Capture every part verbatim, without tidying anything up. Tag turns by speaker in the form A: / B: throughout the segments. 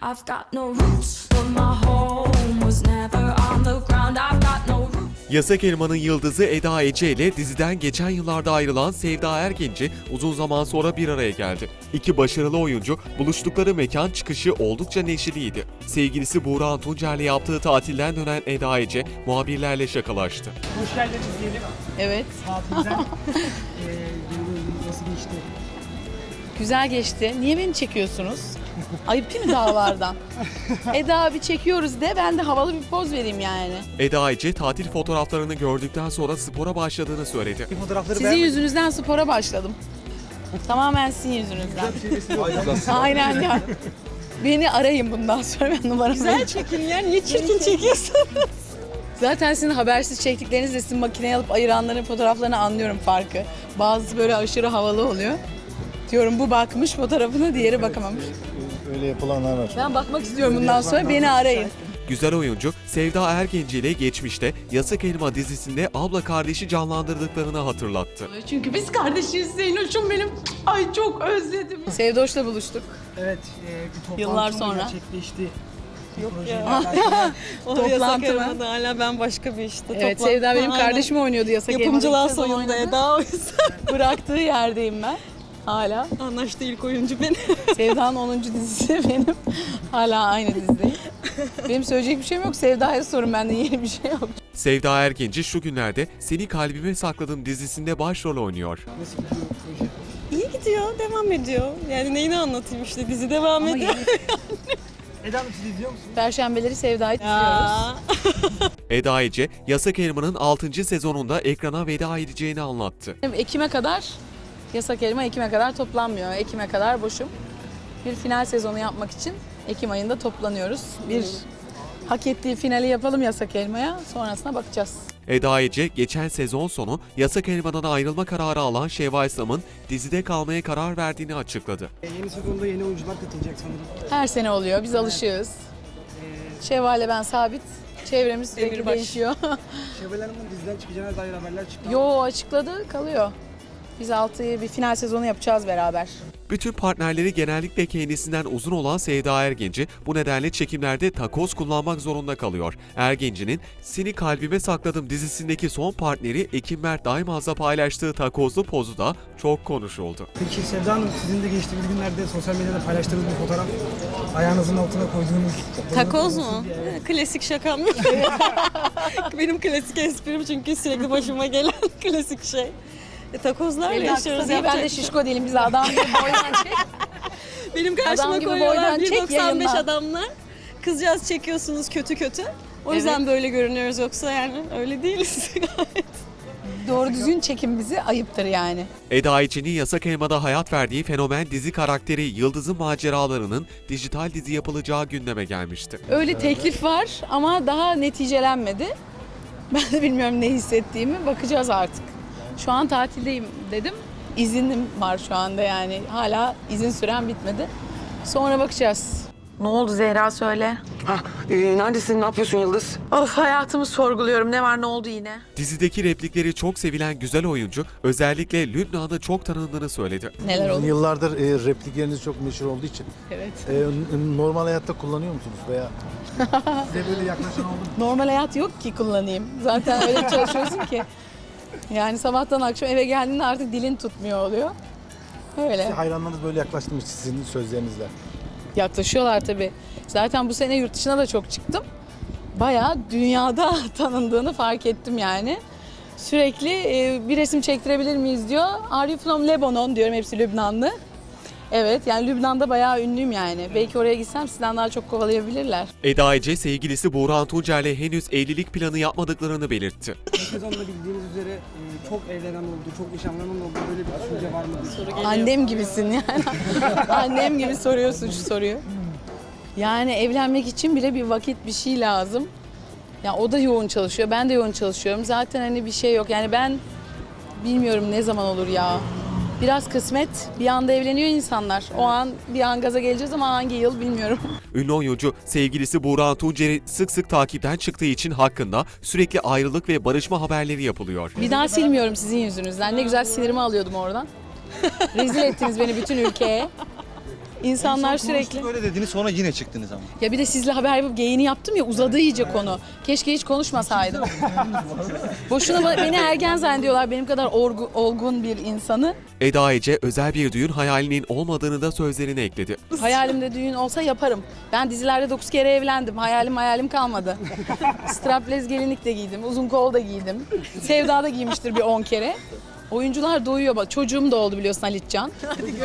A: I've got no roots, but my home was never on the ground. I've got no roots.
B: Yasak Elma'nın yıldızı Eda Ece ile diziden geçen yıllarda ayrılan Sevda Ergenci uzun zaman sonra bir araya geldi. İki başarılı oyuncu buluştukları mekan çıkışı oldukça neşeliydi. Sevgilisi Buğra Tuncer'le yaptığı tatilden dönen Eda Ece muhabirlerle şakalaştı.
C: Hoş geldiniz diyelim.
D: Evet.
C: Tatilden eee yılınız nasıl geçti?
D: Güzel geçti. Niye beni çekiyorsunuz? Ayıp değil mi dağlardan? Eda abi çekiyoruz de ben de havalı bir poz vereyim yani.
B: Eda Ece tatil fotoğraflarını gördükten sonra spora başladığını söyledi.
C: Bir fotoğrafları
D: Sizin yüzünüzden spora başladım. Tamamen sizin yüzünüzden. Aynen ya. Beni arayın bundan sonra, ben numaramı
E: Güzel çekin ya. Niye çirkin çekiyorsun?
D: Zaten sizin habersiz çektiklerinizle sizin makineye alıp ayıranların fotoğraflarını anlıyorum farkı. Bazısı böyle aşırı havalı oluyor. Diyorum bu bakmış fotoğrafına, diğeri bakamamış.
F: Öyle yapılanlar var.
D: Ben bakmak istiyorum bundan sonra, beni arayın.
B: Güzel oyuncu Sevda Ergenci ile geçmişte Yasak Elma dizisinde abla kardeşi canlandırdıklarını hatırlattı.
D: Çünkü biz kardeşiz Zeynoş'um benim. Ay çok özledim. Sevdoş'la buluştuk.
C: Evet, eee bir toplantı
D: Yıllar
C: mı
D: sonra.
C: gerçekleşti?
E: Yok
C: Projeyle
E: ya.
C: alakalı.
E: O
D: Toplantı
E: yasak
D: mı?
E: elmada hala ben başka bir işte.
D: Evet,
E: Toplantı.
D: Sevda benim
E: Aynen.
D: kardeşim oynuyordu Yasak Elma'da.
E: Yapımcılar
D: İlk sezon
E: soyunda
D: oynadı.
E: Eda o yüzden.
D: Bıraktığı yerdeyim ben. Hala.
E: Anlaştı ilk oyuncu benim.
D: Sevda'nın onuncu dizisi benim. Hala aynı dizideyim. Benim söyleyecek bir şeyim yok. Sevda'ya sorun, benden yeni bir şey yok.
B: Sevda Ergenci şu günlerde Seni Kalbime Sakladım dizisinde başrol oynuyor.
C: Nasıl gidiyor proje?
E: İyi gidiyor, devam ediyor. Yani neyini anlatayım işte, dizi devam ediyor.
C: Eda Hanım, siz izliyor musunuz?
D: Perşembeleri Sevda'yı izliyoruz.
E: Ya.
B: Eda Ece, Yasak Elma'nın altıncı sezonunda ekrana veda edeceğini anlattı.
D: Ekim'e kadar, Yasak Elma Ekim'e kadar toplanmıyor. Ekim'e kadar boşum. Bir final sezonu yapmak için Ekim ayında toplanıyoruz. Bir hak ettiği finali yapalım Yasak Elma'ya. Sonrasına bakacağız.
B: Eda Ece, geçen sezon sonu Yasak Elma'dan ayrılma kararı alan Şevval Sam'ın dizide kalmaya karar verdiğini açıkladı.
C: Eee, yeni sezonda yeni oyuncular katılacak sanırım.
D: Her sene oluyor. Biz alışığız.
C: Eee
D: Şevval'le ben sabit. Çevremiz sürekli
E: Demirbaş.
D: değişiyor.
C: Şevval Hanım'ın diziden çıkacağına dair haberler çıktı.
D: Yo, açıkladı, kalıyor. Biz altıyı bir final sezonu yapacağız beraber.
B: Bütün partnerleri genellikle kendisinden uzun olan Sevda Ergenci bu nedenle çekimlerde takoz kullanmak zorunda kalıyor. Ergenci'nin Seni Kalbime Sakladım dizisindeki son partneri Ekim Mert Daimaz'la paylaştığı takozlu pozu da çok konuşuldu.
C: Peki Sevda Hanım, sizin de geçtiğimiz günlerde sosyal medyada paylaştığınız bir fotoğraf, ayağınızın altına koyduğunuz...
E: Takoz mu? Klasik şakam yok. Benim klasik esprim, çünkü sürekli başıma gelen klasik şey. E, takozlarla
D: Benim de
E: yaşıyoruz.
D: kısa değil, ben de
E: yapacak bir şey
D: şişko değilim. Biz adam gibi boydan çek.
E: Benim
D: Adam
E: karşıma
D: gibi
E: koyuyorlar
D: boydan
E: bir
D: çek,
E: doksan beş
D: yayınla.
E: adamlar. Kızcağız çekiyorsunuz kötü kötü. O yüzden böyle görünüyoruz, yoksa yani öyle değiliz.
D: Doğru düzgün çekin bizi, ayıptır yani.
B: Eda Ece'nin Yasak Elma'da hayat verdiği fenomen dizi karakteri Yıldız'ın maceralarının dijital dizi yapılacağı gündeme gelmişti.
D: Öyle teklif var ama daha neticelenmedi. Ben de bilmiyorum ne hissettiğimi, bakacağız artık. Şu an tatildeyim dedim. İzinim var şu anda yani. Hala izin süren bitmedi. Sonra bakacağız. Ne oldu Zehra, söyle.
G: Ha, e, neredesin? Ne yapıyorsun Yıldız?
D: Of, hayatımı sorguluyorum. Ne var, ne oldu yine?
B: Dizideki replikleri çok sevilen güzel oyuncu özellikle Lübnan'da çok tanındığını söyledi.
D: Neler oldu?
F: Yıllardır e, replikleriniz çok meşhur olduğu için
D: Evet.
F: e, n- normal hayatta kullanıyor musunuz veya size böyle yaklaşan oldu mu?
D: Normal hayat yok ki kullanayım. Zaten öyle çalışıyorsun ki. Yani sabahtan akşam eve geldiğinde artık dilin tutmuyor oluyor. Öyle.
F: Hayranlarınız böyle yaklaştı mı sizin sözlerinizle?
D: Yaklaşıyorlar tabii. Zaten bu sene yurt dışına da çok çıktım. Bayağı dünyada tanındığını fark ettim yani. Sürekli e, bir resim çektirebilir miyiz diyor. Are you from Lebanon diyorum, hepsi Lübnanlı. Evet, yani Lübnan'da bayağı ünlüyüm yani. Belki oraya gitsem sizden daha çok kovalayabilirler.
B: Eda Ece sevgilisi Buğra Tuncer'le henüz evlilik planı yapmadıklarını belirtti.
C: Bu sezonda bildiğiniz üzere eee, çok evlenen oldu, çok nişanlanan oldu. Böyle bir düşünce var mı?
D: Annem gibisin yani. Annem gibi soruyorsun şu soruyu. Yani evlenmek için bile bir vakit, bir şey lazım. Ya o da yoğun çalışıyor, ben de yoğun çalışıyorum. Zaten hani bir şey yok. Yani ben bilmiyorum ne zaman olur ya. Biraz kısmet. Bir anda evleniyor insanlar. O an bir an gaza geleceğiz ama hangi yıl bilmiyorum.
B: Ünlü oyuncu sevgilisi Buğra Tuncer'i sık sık takipten çıktığı için hakkında sürekli ayrılık ve barışma haberleri yapılıyor.
D: Bir daha silmiyorum sizin yüzünüzden. Ne güzel sinirimi alıyordum oradan. Rezil ettiniz beni bütün ülkeye. İnsanlar
H: En son konuştuk,
D: sürekli...
H: öyle dediniz, sonra yine çıktınız ama.
D: Ya bir de sizle haber yapıp geyini yaptım ya, uzadı iyice konu. Keşke hiç konuşmasaydım. Boşuna ba- beni ergen zannediyorlar, benim kadar orgu- olgun bir insanı.
B: Eda Ece özel bir düğün hayalinin olmadığını da sözlerine ekledi.
D: Hayalimde düğün olsa yaparım. Ben dizilerde dokuz kere evlendim. Hayalim hayalim kalmadı. Strapless gelinlik de giydim. Uzun kol da giydim. Sevda da giymiştir bir on kere. Oyuncular doyuyor bak. Çocuğum da oldu biliyorsun Halitcan.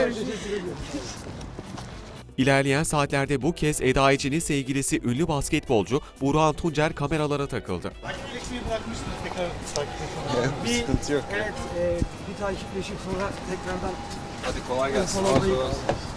B: İlerleyen saatlerde bu kez Eda Ece'nin sevgilisi ünlü basketbolcu Burhan Tuncer kameralara takıldı.
F: Bir sıkıntı yok.
C: Evet, e, bir takipleşip sonra tekrardan
F: Hadi kolay gelsin.
C: Follow-